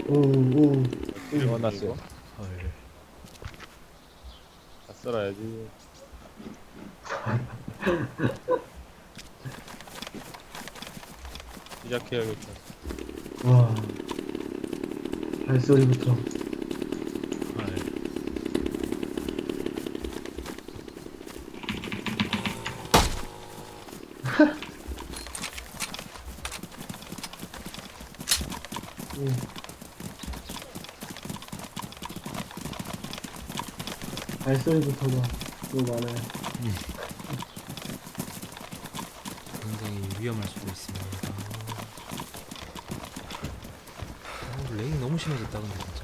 오오 넣어놨어요. 헐. 다 썰어야지. 시작해야겠다. 와 발소리부터 헐. 음. 발소리부터가 너무 많아요. 굉장히 위험할 수도 있습니다. 렉이 너무 심해졌다 근데 진짜.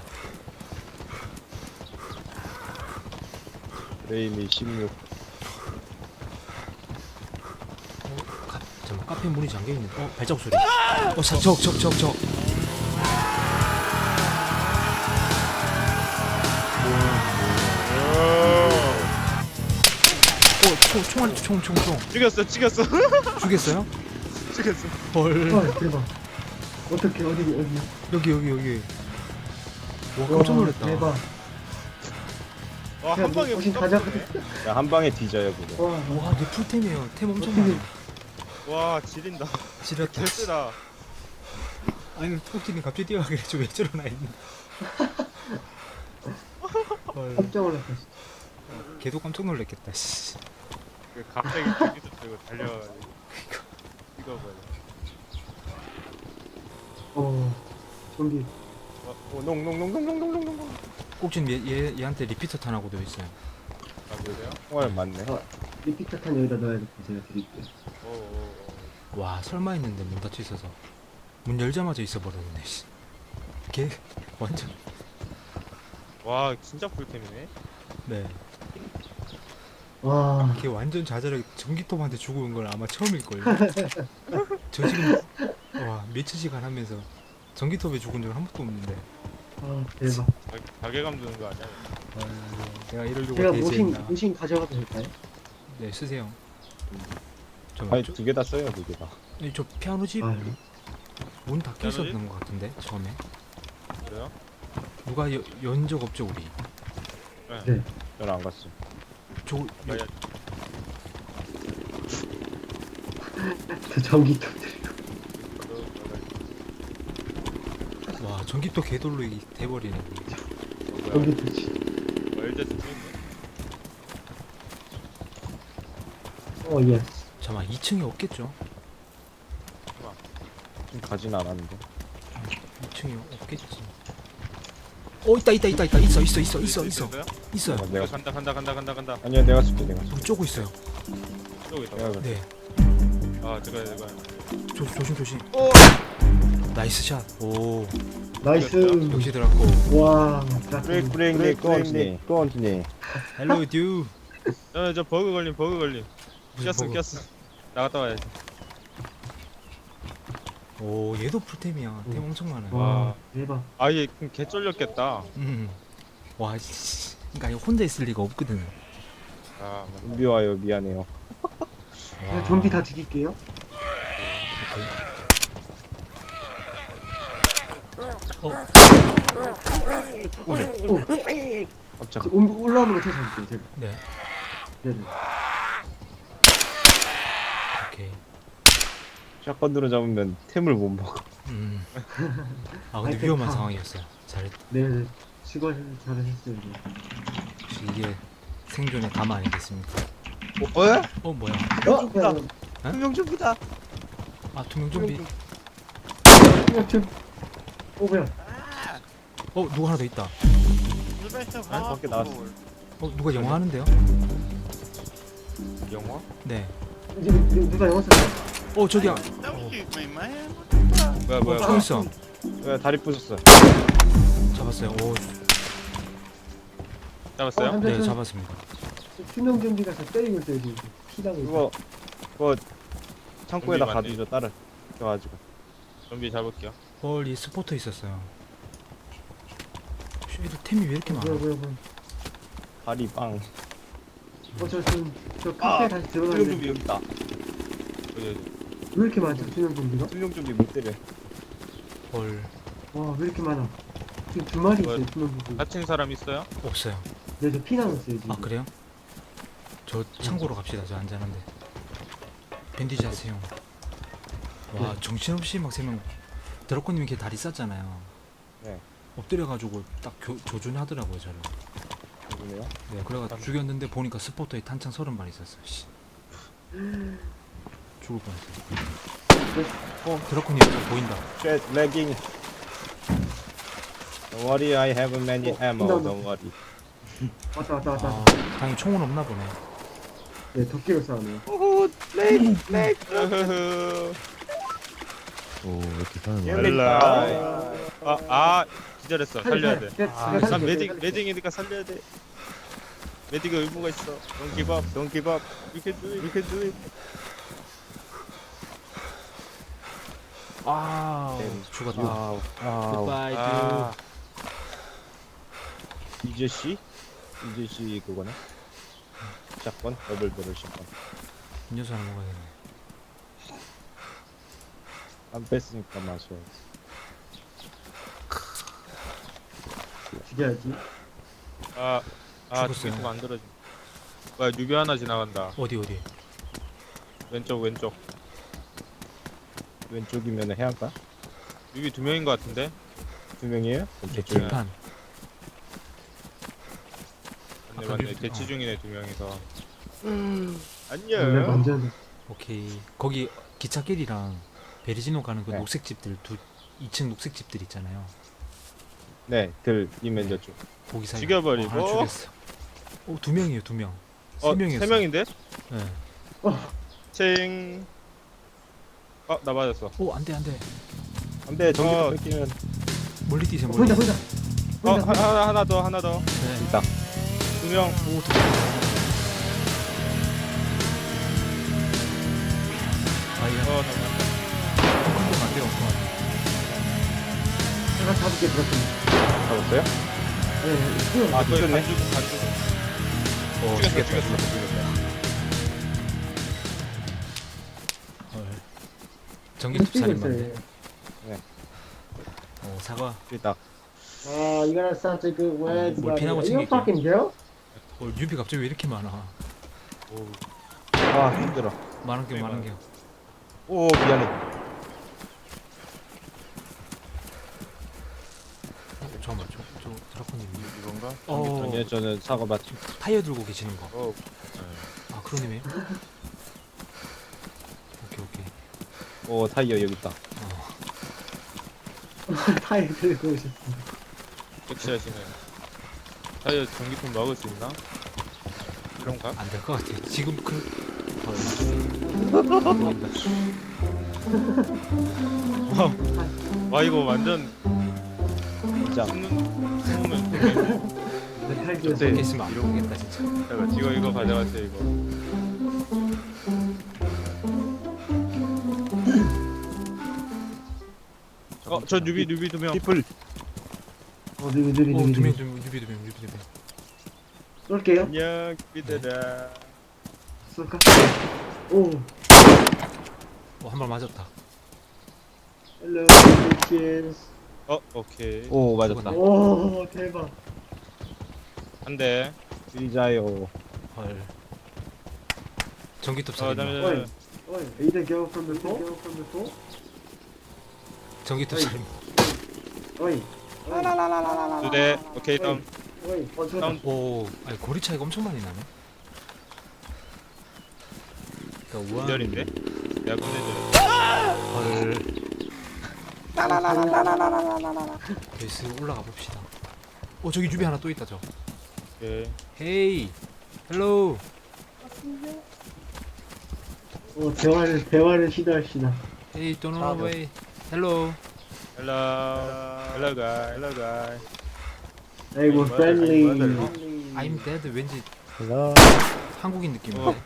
레임이 16. 잠깐 카페 문이 잠겨 있는데. 발자국 소리. 적. 총알이 총. 찍었어. 죽였어요? 찍었어. 헐. 헐 대박. 어떻게 어디 여기. 와 깜짝 놀랐다. 대박. 와, 한 방에 혹시 못 가져? 잡네. 야, 한 방에 뒤져요, 그거. 와 와, 내 풀템이에요. 템 엄청 어떻게- 많아. 와, 지린다. 지렸다. 개쓰다. 아니, 토끼는 갑자기 뛰어가길래 저왜 저러나 했네. 헐. 깜짝 놀랐어. 걔도 깜짝 놀랐겠다. 씨. 그 갑자기 뒤도 들고 달려가지고. 이거 뭐야. 좀비. 농. 꼭진 얘한테 리피터 탄하고 되어 있어요. 아, 그래요? 총알 맞네. 리피터 탄 여기다 넣어야겠다. 제가 드릴게요. 와, 설마 했는데 문 닫혀 있어서 문 열자마자 있어 버렸네. 씨. 걔 완전. 와, 진짜 풀템이네. 네. 와 걔 완전 좌절하게 전기톱한테 죽은 걸 아마 처음일 거예요. 저 지금 와 며칠 시간 하면서 전기톱에 죽은 적은 한 번도 없는데. 대박. 자괴감 드는 거 아니야? 내가 이러려고 제가 대세했나. 모신 가져가도 될까요? 네, 쓰세요. 아니, 두 개 다 써요, 두 개 다. 저 피아노 집 아, 문 닫혀 피아노 있었던 것 같은데 처음에 그래요? 누가 연 적 없죠 우리. 네. 저는 안 갔어. 저 아야, 저 전기톱 드리고. 와 전기톱 개돌로 돼버리네. 전기톱 치. 월드 스트리머. 예스. 잠깐 2층에 없겠죠? 좀 가진 않았는데. 2층에 없겠지. 있다 있어 있어요. 내가 간다. 아니야, 내가 쓸게, 내가. 우리 쪼고 있어요. 쏘고 있다. 어. 내가 네. 아, 내가. 조심. 나이스 샷. 오 나이스. 역시 들어갔고. 와. 브레이크, continue. 헬로 듀. 저 버그 걸림. 무슨 버그? 꼈어. 나갔다 와야지. 오 얘도 풀템이야. 템 엄청 많아. 와 대박. 아, 얘 개 쫄렸겠다. 와 씨. 그러니까 이거 혼자 있을 리가 없거든. 아, 좀비 와요. 미안해요. 제가 좀비 다 죽일게요. 깜짝. 올라오는 거 찾아볼게요. 제가. 네. 네네. 오케이. 샷건으로 잡으면 템을 못 먹어. 아 근데 아이템 위험한 다. 상황이었어요. 잘했다. 네. 수고 잘하셨어요. 네. 역시 이게 생존의 감 아니겠습니까? 뭐야? 그냥 투명 좀비다. 아 투명 좀비. 좀. 뭐야? 누가 하나 더 있다. 아니, 밖에 나왔어. 누가 영화 하는데요? 영화? 네. 누가 영어 썼어? 저기야. 뭐야? 총 있어. 왜 다리 부셨어? 잡았어요. 잡았어요? 네 잡았습니다. 투명 좀비가 다 때리고 있어요 지금. 피나고 있어. 그거 창고에다 좀비 맞네. 가두죠. 따를 껴가지고. 좀비 잡을게요. 이 스포터 있었어요. 얘도 템이 왜 이렇게 많아? 뭐야. 다리 빵. 저 카페에 다시 투명 들어가는데 좀비 여기 있다. 여기. 왜 이렇게 많죠 투명 좀비가? 투명 좀비 못 때려. 헐. 와, 왜 이렇게 많아? 지금 두 마리 뭐야? 있어요, 두 마리. 다친 사람 있어요? 없어요. 네, 저피 남았어요, 지금. 아 그래요? 저 창고로 갑시다. 저 안전한데. 밴디지 하세요. 와 네. 정신없이 막 3명. 드라코님이 걔 다리 쌌잖아요. 네. 엎드려가지고 딱 조준하더라고요 저를. 누구네요? 네, 그래가 죽였는데 보니까 스포터에 탄창 30발 있었어. 씨. 죽을 뻔했어. 드라코님 저 보인다. 쉣 레깅. Don't worry, I have many ammo. 나온다. Don't worry. 왔다, 왔다, 왔다. 아, 당연히 총은 없나 보네. 네, 도끼로 싸우네요. 오, 렉. 오, 왜 이렇게 사는 거야? 엘라. 아, 기절했어. 살려야 돼. 아, 난 매딩이니까 살려야 돼. 매딩가 의무가 있어. Don't give up. Don't give up. You can do it. You can do it. 아, 죽었다. Goodbye, 아, 이제씨? 이제씨 그거네? 샷건? 더블 배럴 샷건. 음료수 하나 먹어야겠네. 안 뺐으니까 마셔야지. 죽여야지. 죽었어요. 죽겠으면 만들어지. 뭐야, 뉴비 하나 지나간다. 어디? 왼쪽. 왼쪽이면 해안가? 뉴비 2명인 것 같은데? 2명이에요? 네, 저쪽에. 길판. 맞네, 아까 맞네. 뉴비- 대치 중이네, 2명이서. 네, 안녕. 완전. 오케이. 거기 기찻길이랑 베리지노 가는 그 네. 녹색 집들 2층 녹색 집들 있잖아요. 네, 들이면 저쪽. 거기 사이. 죽여버리고. 하나 죽였어. 2명이에요, 2명. 3명이었어. 3명인데? 네. 칭. 나 맞았어. 안 돼. 안 돼, 전기도 뺏기면. 멀리 뛰세요, 멀리. 보인다. 하나 더. 네. 있다. 2명. 아이야. 잠깐만. 엉뚱 안 돼요, 엉뚱. 제가 잡을게, 들었습니다. 잡았어요? 네, 아, 거의 뒤졌네. 반 죽음. 헐. 전기톱 뛰고 살인마인데. 있어요. 사과. 있다. You got such a good words. 뭘 피나고 Are you a 챙길게요. fucking girl? 뉴비 갑자기 왜 이렇게 많아? 아, 힘들어. 많은 게 많은 게. 오, 미안해. 잠깐만, 저 드라코님. 이건가? 아니요, 저는 사과 맛. 타이어 들고 계시는 거. 아, 크로님이에요? 오케이. 오, 타이어 여기 있다. 타이어 들고 오셨습니다. 섹시하시네. 타이어 전기통 막을 수 있나? 그런가? 안 될 것 같아. 지금 와, 이거 완전 진짜. 숨으면 타이어 이렇게 있으면 안 보겠다 진짜. 잠깐, 이거 가져가세요, 이거. 저 뉴비 2명. 피플. 느리. 두명 뉴비. 쏠게요. 안녕, 비들아. 쏠까? 오. 한 발 맞았다. Hello, bitches. 오케이. 오, 맞았다. 오, 대박. 한 대. 의자요. 헐. 전기톱 잠깐만. 살인마. Oi, are you the girl from before? 전기톱 어이. 살인마. Oi. 2대. 오케이, 다음. Oi. 저다. 다운. 오, 아니 거리 차이가 엄청 많이 나네. 그러니까 우한. 기절인데? 내가 끝내줘. 헐. 베이스 올라가 봅시다. 저기 뉴비 하나 또 있다 저. 오케이. 헤이. 헬로. 대화를 시도합시다. 헤이, don't run away. 헬로. Hello, guy. 아이고, friendly. I'm dead. 왠지 헬로. 한국인 느낌인데.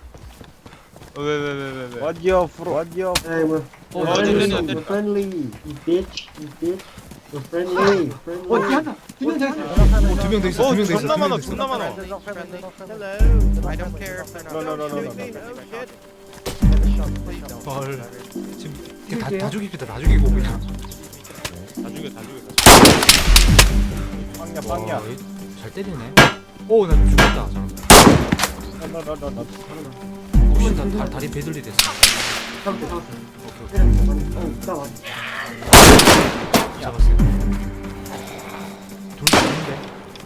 왜? What your fro? What your? 아이고, 때린다. friendly. You bitch. We're friendly. 하나. 두명 더 있어. 두 명 더 있어. 두 명 더 있어. 존나 많아, 두 명 존나 많아. I don't care if they're not. No. 더 있어. 헐. 지금 다 죽입시다. 다 죽이고 그냥. 죽여 다 죽여. 빵야 빵야. 와, 잘 때리네. 오, 나 죽었다. 나나나나. 혹시 다리 배들리 됐어. 잡았어. 오케이, 오케이. 나 왔어. 잡았어요. 둘 죽는데.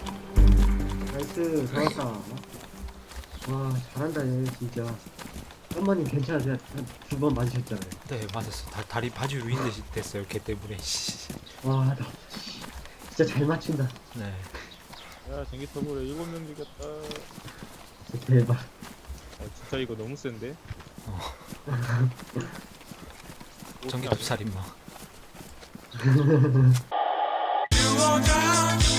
나이스, 좋았다. 와, 잘한다, 얘, 진짜. 어머님 괜찮으세요? 두 번 맞으셨잖아요. 네, 맞았어. 다리 바지 위인 듯이 됐어요. 걔 때문에. 씨. 와, 나 진짜 잘 맞춘다. 네. 야 전기톱으로 7명 죽였다. 진짜 대박. 진짜 이거 너무 센데? 전기톱 살인마. You are God.